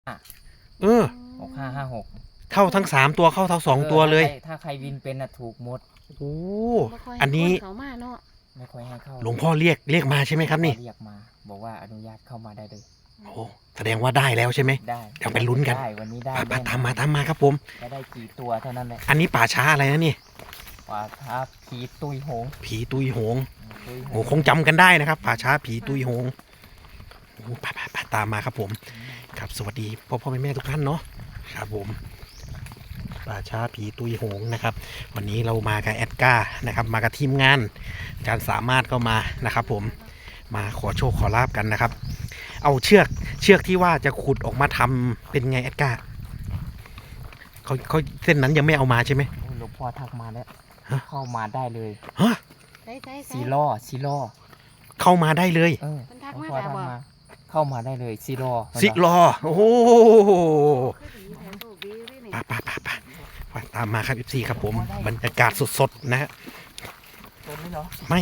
เออ 6556 เข้าทั้ง3ตัวเข้าทั้ง2ตัวเลยถ้าใครวินเป็นถูกหมดโอ้บ่ค่ยอันนี้ให้คเขามาเนาะไม่ค่อยให้เข้าหลวงพ่อเรียกมาใช่ไหมครับนี่เรียกมา บอกว่าอนุญาตเข้ามาได้เลยโอ้แสดงว่าได้แล้วใช่ไหมได้เดี๋ยวไปลุ้นกันได้วันนี้ได้ไปแน่นอนตามมาครับผมจะได้กี่ตัวเท่านั้นแหละอันนี้ป่าช้าอะไรนะนี่ว่าถ้าผีตุยโหงผีตุยโหงตุยโหโอ้คงจำกันได้นะครับป่าช้าผีตุยโหงโอ้ไปตามมาครับผม ครับสวัสดีพ่อแม่ทุกท่านเนาะครับผมป่าช้าผีตุยโหงนะครับ วันนี้เรามากับแอดก้านะครับมากับทีมงานอาจารย์สามารถก็มานะครับผมมาขอโชคขอลาบกันนะครับ เอาเชือกที่ว่าจะขุดออกมาทำเป็นไงแอดก้าเขาเส้นนั้นยังไม่เอามาใช่ไหมโอ้หลวงพ่อทักมาแล้วฮะเข้ามาได้เลยฮะใส่ซีล้อเข้ามาได้เลยเออเพิ่นทักหลวงมาพ่อแล้วทักบ่มาเข้ามาได้เลยซีล้อสิรอโอ้โหคือดีแถมโชคดีเลยนี่ไปตามมาครับ FC ครับผมบรรยากาศสดๆนะฮะตัวนี้เหรอไม่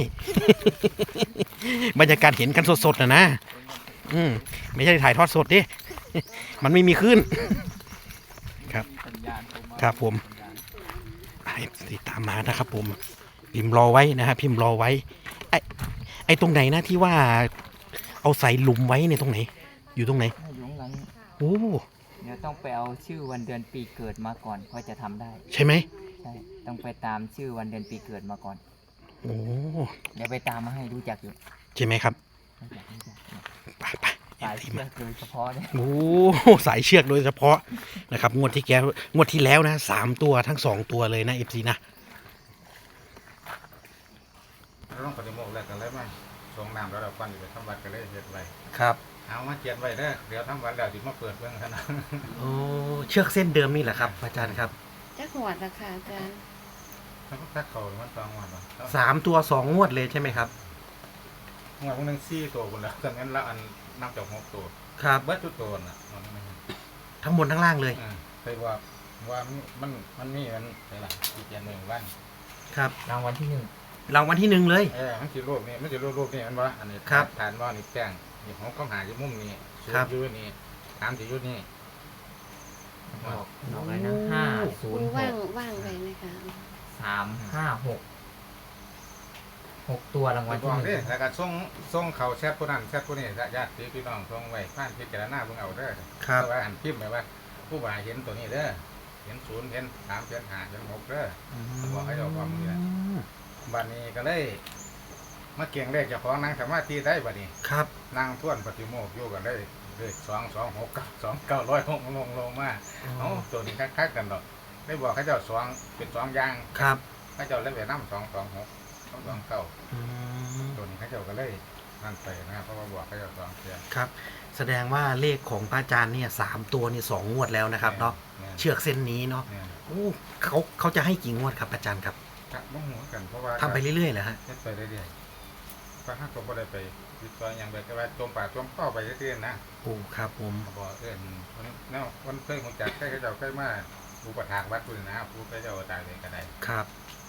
บรรยากาศเห็นกันสดๆนะไม่ใช่ถ่ายทอดสดดิ มันไม่มีขึ้น ครับ ครับผมติดตามมานะครับผม พิมพ์รอไว้นะฮะพิมพ์รอไว้ ไอ้ตรงไหนนะที่ว่าเอาใส่หลุมไว้เนี่ยตรงไหน อยู่ตรงไหนอยู่ข้างหลังโอ้เดี๋ยวต้องไปเอาชื่อวันเดือนปีเกิดมาก่อนค่อยจะทำได้ใช่ไหมใช่ ต้องไปตามชื่อวันเดือนปีเกิดมาก่อนโอ้เดี๋ยวไปตามมาให้รู้จักอยู่ใช่ไหมครับรู้จักเนี่ยไปสายเชือกโดยเฉพาะเนี่ยโอ้สายเชือกโดยเฉพาะนะครับงวดที่แล้วนะ3ตัวทั้ง2ตัวเลยนะ FC นะเราต้องปฏิโมกข์แล้วกันเลยมั้ยทรงน้ำแล้วเราฟันอยู่ไปทำวัดกันเลยเฮ็ดไว้ครับเอามาเจียนไว้เด้อเดี๋ยวทำวัดแล้วสิมาเปิดเบิ่งซะนะโอ้เชือกเส้นเดิมนี่แหละครับอาจารย์ครับจักหวดราคาอาจารย์ถ้าพักเขามันต้องวันบ่ 3ตัว2งวดเลยใช่ไหมครับงวดพวกนึง4ตัวพุ่นแล้วดังนั้นละอันนับจาก6ตัวครับเบิดทุกตัวน่ะมันไม่ทั้งบนทั้งล่างเลยเคยว่ามันมีมันได้ล่ะอีกอย่างหนึงวันครับรางวัลที่รางวัลที่1เลยมันสิรูปนี่มันสิรูปนี่มันบ่อันนี้ครับฐานบ่นี่แป้งนี่ของเขาหาอยู่มุมนี้ครับอยู่นี่ตามสิอยู่นี่ 1ออกอะไรนะปูว่างไว้นะคะ 6ตัวรางวัลบอกที่เด้แล้วก็ส่งเขาแชทผู้นั้นแชทผู้นี้ญาติพี่น้องส่งไว้ผ่านพิจารณาเบิ่งเอาเด้อครับเพราะว่าอันพิมพ์ไว้ว่าผู้บ่าเห็นตัวนี้เด้อเห็น0เห็น3เห็น5เห็น6เด้อ บอกให้เราฟังนี่แหละ บัดนี้ก็เลยมาเก่งเลขเจ้าของนั่งสมาธิได้บัดนี้ครับนั่งท่วนปฏิโมกข์อยู่กันได้เลข226กับ2900ลงมาเอ้าตัวนี้คักๆกันดอกได้บอกให้เจ้า2เป็น2อย่างครับให้เจ้าเลยไปนำ226 229 อืมตัวนี้เขาเจ้าก็เลยนั่นไปนะครับเพราะว่าบอกเขาเจ้า2เทื่อครับ แสดงว่าเลขของพระอาจารย์เนี่ย3ตัวนี่2งวดแล้วนะครับเนาะเชือกเส้นนี้เนาะเนี่ยโอ้เขาจะให้กี่งวดครับอาจารย์ครับครับบ่ฮู้กันเพราะว่าทำไปเรื่อยๆเหรอฮะเฮ็ดไปเรื่อยๆพระฮักก็บ่ได้ไปติดต่อหยังไปแต่ว่าจมปากจมคอไปเรื่อยๆนะโอ้ครับผมบอกมันเคยรู้จักเคยเจ้าเคยมาผู้ประทากวัดพุ่นนะผู้เคยเจ้าตายเลยก็ได้ครับ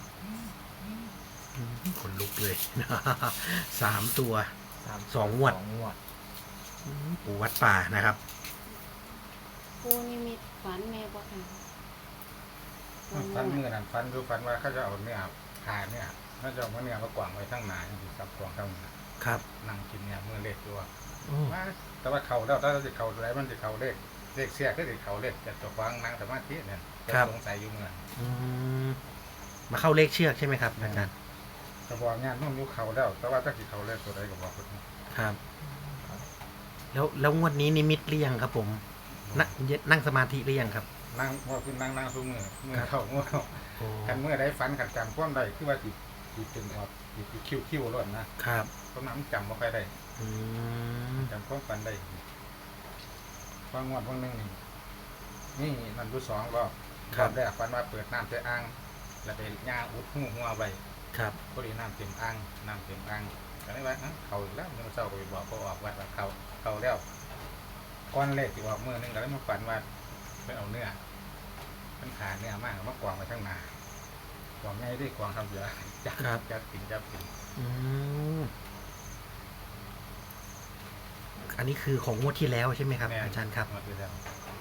ขนลุกเลย 3ตัว สองงวด 2 งวดปู่วัดป่านะครับปูนิมิตฝันแม่บ่ค่ะฟันมือนั่นฟันดูฟันว่าเขาจะเอาเนื้อผ่าเนี่ยเขาจะเอาเนื้อมากวางไว้ทั้งหนาอย่างที่ซับกวางทั้งหนาครับนั่งกินเนี่ยมือเล็กตัวโอ้แต่ว่าเขาแล้วถ้าจะเขาอะไรมันจะเขาเลขเสียก็จะเขาเลขจะตัวฟังนั่งสมาธิเนี่ยจะสงสัยอยู่เมื่ออืมมาเข้าเลขเชือกใช่ไหมครับอาจารย์จะบอกงานน้องยุเขาแล้ว แต่ว่าถ้าสิเขาเลขตัวใดก็บอกคนครับ แล้วงวดนี้นิมิตหรือยังครับผมนั่งสมาธิหรือยังครับนั่งว่าคือนั่งสู้มือเข้ามือโอ้กันเมื่อได้ฟันขัดจำความได้คือว่าติดเป็นออกติดคิ้วล้วนนะครับ เพราะน้ำจำไม่ค่อยได้อืมจำความฟันได้ฟังงวดวันหนึ่งนี่มันดู2 รอบแรกฟันว่าเปิดน้ำเต็มอ่างแล้วไปย่างอุดหัวไว้ครับพอดีน้ำเต็มอ่างก็เลยว่าเขาแล้วมันเศร้าไปบอกเขาออกวัดว่าเขาแล้วก้อนเลขที่ออกมือนึงก็เลยมาฝันว่าเป็นเอาเนื้อเป็นขาเนื้อมากมากวางไปทั้งนากวางง่ายด้วยกวางทำเยอะจับกินอืมอันนี้คือของงวดที่แล้วใช่ไหมครับอาจารย์ครับมาดูแล้ว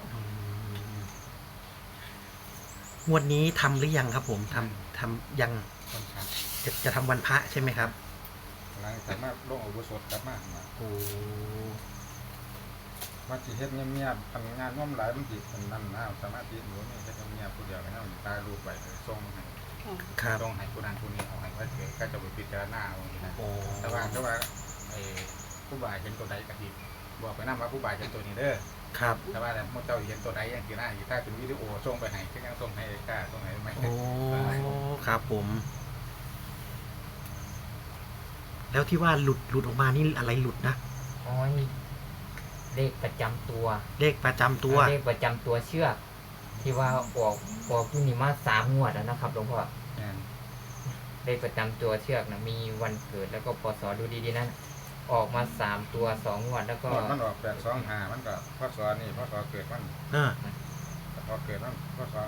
งวดนี้ทำหรือยังครับผมทำยังคนทจะทำวันพระใช่ไหมครับำหลังจากมาลงอาวุโสกลับมาโอ้ว่าสิเฮ็ดเงียบๆทำงานน้อมหลายมันสิเป็นนั่นนะสมาธิหนูนี่เฮ็ดเงียบๆผู้เดียวให้เฮาตายรูปไว้ส่งให้ค่ะครับส่งให้ผู้นั้นผู้นี้เอาให้ว่าเกิดก็จะไปพิจารณาเอาอย่างนี้นะโอ้แต่ว่าไอ้ผู้บ่ายเห็นตัวใดก็สิบอกไปนำว่าผู้บ่ายเห็นตัวนี้เด้อครับแต่ว่าแต่เมื่อเจ้าเห็นตัวใดอย่างที่หน้าอยู่ถ้าเป็นวิดีโอส่งไปให้ก็ยังส่งให้กล้าส่งให้ไหมโอ้ครับผม แล้วที่ว่าหลุดออกมานี่อะไรหลุดนะโอ้ยเลขประจำตัวเลขประจำตัวเลขประจำตัวเชือก ที่ว่าออกผู้นี้มา3 งวดแล้วนะครับหลวงพ่อแม่นเลขประจำตัวเชือกนะมีวันเกิดแล้วก็พศดูดีๆนะออกมา3 ตัว2 งวดแล้วก็มันออก825มันก็พศนี่พศเกิดมันอ่าพอเกิดมันพศ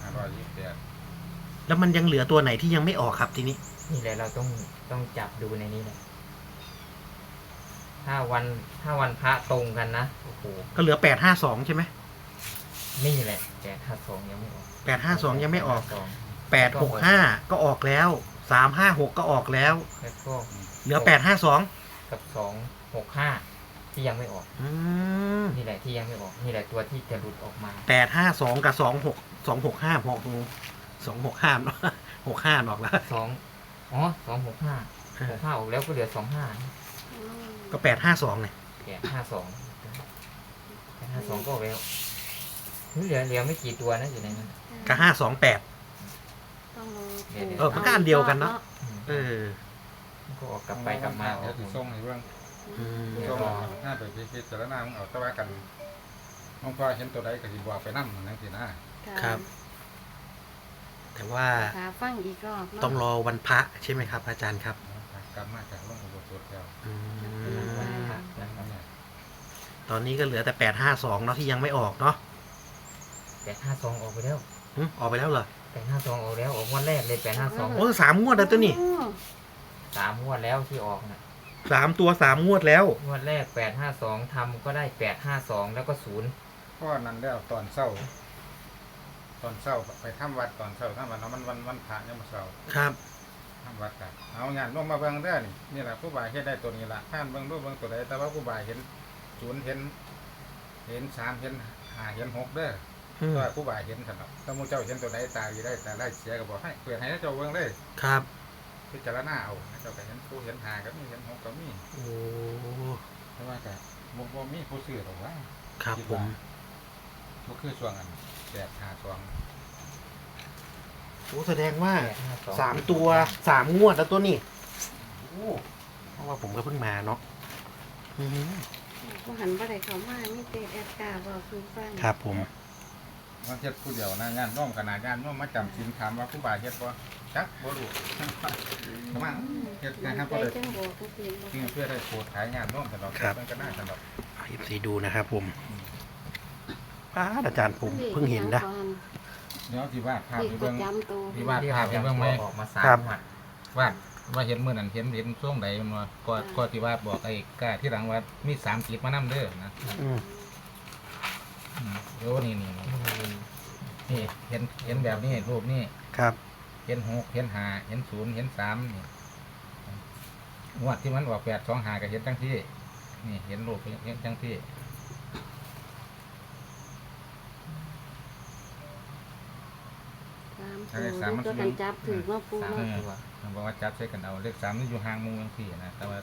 2528 แล้วมันยังเหลือตัวไหนที่ยังไม่ออกครับทีนี้นี่แหละเราต้องจับดูในนี้แหละถ้าวันพระตรงกันนะโอ้โหก็เหลือ852ใช่ไหมนี่แหละ852ยังไม่ออก 852ยังไม่ออก 852 865ก็ออกแล้ว356ก็ออกแล้วแล้วก็เหลือ852 กับ265ที่ยังไม่ออกอืมนี่แหละที่ยังไม่ออกนี่แหละตัวที่จะหลุดออกมา 852กับ265 265เนาะ65ออกแล้ว 265ออกแล้วก็เหลือ25 อืมก็852เนี่ย 852ก็ออกแล้วเหลือไม่กี่ตัวนะอยู่ในนั้นก็528 ต้องรอมันก็อันเดียวกันเนอะ เออก็ออกกลับไปกลับมาเดี๋ยวสิส่งให้เบิ่งอืมส่งหน้าไปพิจารณามึงเอาแต่ว่ากันน้องพ่อเห็นตัวใดก็สิบอกไปนำนั่นสินะครับ แต่ว่าขาฟังอีกรอบเนาะต้องรอวันพระใช่ไหมครับ อาจารย์ครับกลับมาจากลงอุโบสถแล้วอืมเนี่ยตอนนี้ก็เหลือแต่852เนาะที่ยังไม่ออกเนาะ 852ออกไปแล้วออกไปแล้วเหรอ 852ออกแล้วออกงวันแรกเลย852 โอ้3งวดแล้วตัวนี้ 3 งวดแล้วที่ออกนะ 3ตัว3งวดแล้วงวดแรก852ทำก็ได้852แล้วก็0 พ่อนั้นแล้วตอนเช้าไปทำวัดตอนเช้าทำวัดเนาะมันวันพระยังบ่เช้าครับทำวัดกันเอางานลงมาเบิ่งเด้อนี่แหละผู้บ่ายเฮ็ดได้ตัวนี้ล่ะท่านเบิ่งรูปเบิ่งตัวใดแต่ว่าผู้บ่ายเห็น0เห็น3เห็น5เห็น6เด้ออืมก็ผู้บ่ายเห็นซั่นเนาะถ้าหมู่เจ้าเห็นตัวใดตาดีได้แต่ได้เสียก็บอกให้เปิดให้เจ้าเบิ่งเลยครับพิจารณาเอาเจ้าก็เห็นผู้เห็น5ก็มีเห็น6ก็มีโอ้แต่ว่าก็บ่มีผู้ซื้อหรอกว่าครับผมบ่คือช่วงอัน852 โอ้แสดงว่า 852 3ตัว3งวดแล้วตัวนี้โอ้เพราะว่าผมก็เพิ่งมาเนาะอืมผู้หันบ่ได้เข้ามามีแต่แอดกาบอกคือฟังครับผมมันเฮ็ดผู้เดียวนะงานน้อมขนาดงานน้อมมาจำศีลถามว่าผู้บ่ายเฮ็ดบ่จักบ่รู้ ประมาณเฮ็ดงานครับใจบ่ได้จังบอกจริงๆจริงเพื่อได้โปรดขายงานน้อมตลอดมันก็น่าตลอดให้สีดูนะครับผมอาจารย์ผมเพิ่งเห็นนะเดี๋ยวสิวาดภาพเลขให้ปเบิ่ระงจำตัวที่วาดภาพให้เบิ่งไหมออกมาครับ 3 งวดว่าเห็นมื้อนั้นเห็นช่วงใดมันว่าก็ที่วาดบอกไอ้กล้าที่หลังว่ามี3จิตมานำเด้อนะอืมเดี๋ยวนี่เห็นแบบนี้รูปนี้ครับเห็น6เห็น5เห็น0เห็น3นี่งวดที่มันออก825ก็เห็นจังที่นี่เห็นรูปเห็นจังที่สามตัวกันจับถือว่าปู 3 เนาะตัวมันบอกว่าจับใช้กันเอาเลข3นี่อยู่ห่างมุมจังที่นะแต่ว่า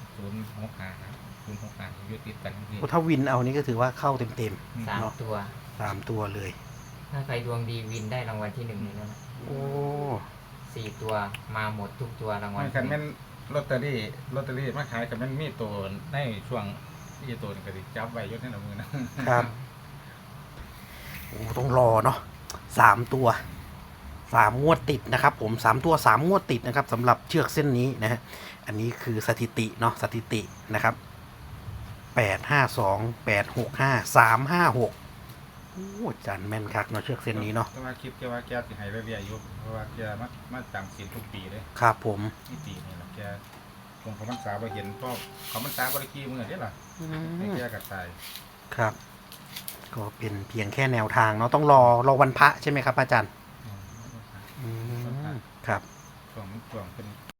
065อยู่ติดกันจังที่โอ้ถ้าวินเอานี่ก็ถือว่าเข้าเต็ม 3 ตัว 3ตัวเลยถ้าใครดวงดีวินได้รางวัลที่1นี่แล้วนะโอ้ 4 ตัวมาหมดทุกตัวรางวัลมันกันแม่นลอตเตอรี่มาขายกันแม่นมีตัวในช่วงที่ตัวนี่ก็สิจับไว้อยู่ในมือนะครับโอ้ต้องรอเนาะ3ตัว3งวดติดนะครับผม3ตัว3งวดติดนะครับสำหรับเชือกเส้นนี้นะฮะอันนี้คือสถิติเนาะสถิตินะครับ852 865 356โอ้อาจารย์แม่นคักเนาะเชือกเส้นนี้เนาะแต่ว่าคิดแกว่าแกสิให้เรื่อยๆอยู่เพราะว่าแกมาจำศีลทุกปีเลยครับผมนี่ปีนี่ล่ะแกคงเขาพรรษาบ่เห็นเพราะเขาพรรษาบ่ได้กี่มื้อเด้ล่ะอืให้มแกก็ตายครับ ก็เป็นเพียงแค่แนวทางเนาะต้องรอวันพระใช่ไหมครับอาจารย์อืมครับช่วงเป็น